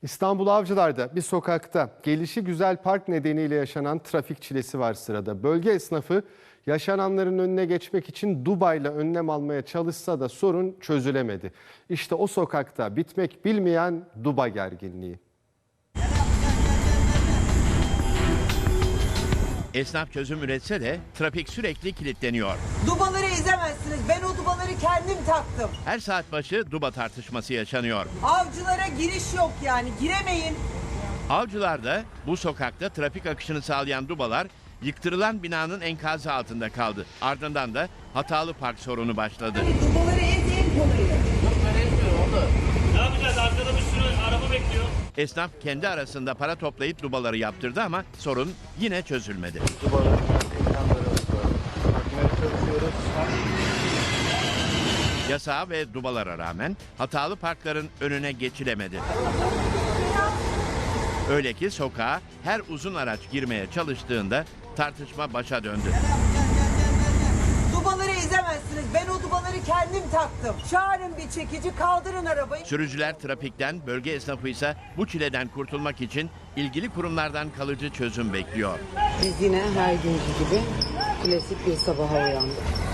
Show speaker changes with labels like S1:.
S1: İstanbul Avcılar'da bir sokakta gelişigüzel park nedeniyle yaşanan trafik çilesi var sırada. Bölge esnafı yaşananların önüne geçmek için Dubai'yle önlem almaya çalışsa da sorun çözülemedi. İşte o sokakta bitmek bilmeyen Dubai gerginliği.
S2: Esnaf çözüm üretse de trafik sürekli kilitleniyor.
S3: Dubaları ezemezsiniz. Ben o dubaları kendim taktım.
S2: Her saat başı Duba tartışması yaşanıyor.
S3: Avcılara giriş yok yani. Giremeyin.
S2: Avcılar'da bu sokakta trafik akışını sağlayan Dubalar yıktırılan binanın enkazı altında kaldı. Ardından da hatalı park sorunu başladı.
S3: Dubaları en kolayı.
S4: Ne yapacağız? Arkada bir sürü araba bekliyor.
S2: Esnaf kendi arasında para toplayıp Dubaları yaptırdı ama sorun yine çözülmedi. Yasağa ve Dubalara rağmen hatalı parkların önüne geçilemedi. Öyle ki sokağa her uzun araç girmeye çalıştığında tartışma başa döndü.
S3: Dubaları ezemezsiniz. Ben o dubaları kendim taktım. Çağırın bir çekici, kaldırın arabayı.
S2: Sürücüler trafikten, bölge esnafı ise bu çileden kurtulmak için ilgili kurumlardan kalıcı çözüm bekliyor.
S5: Biz yine her günkü gibi klasik bir sabaha uyandık.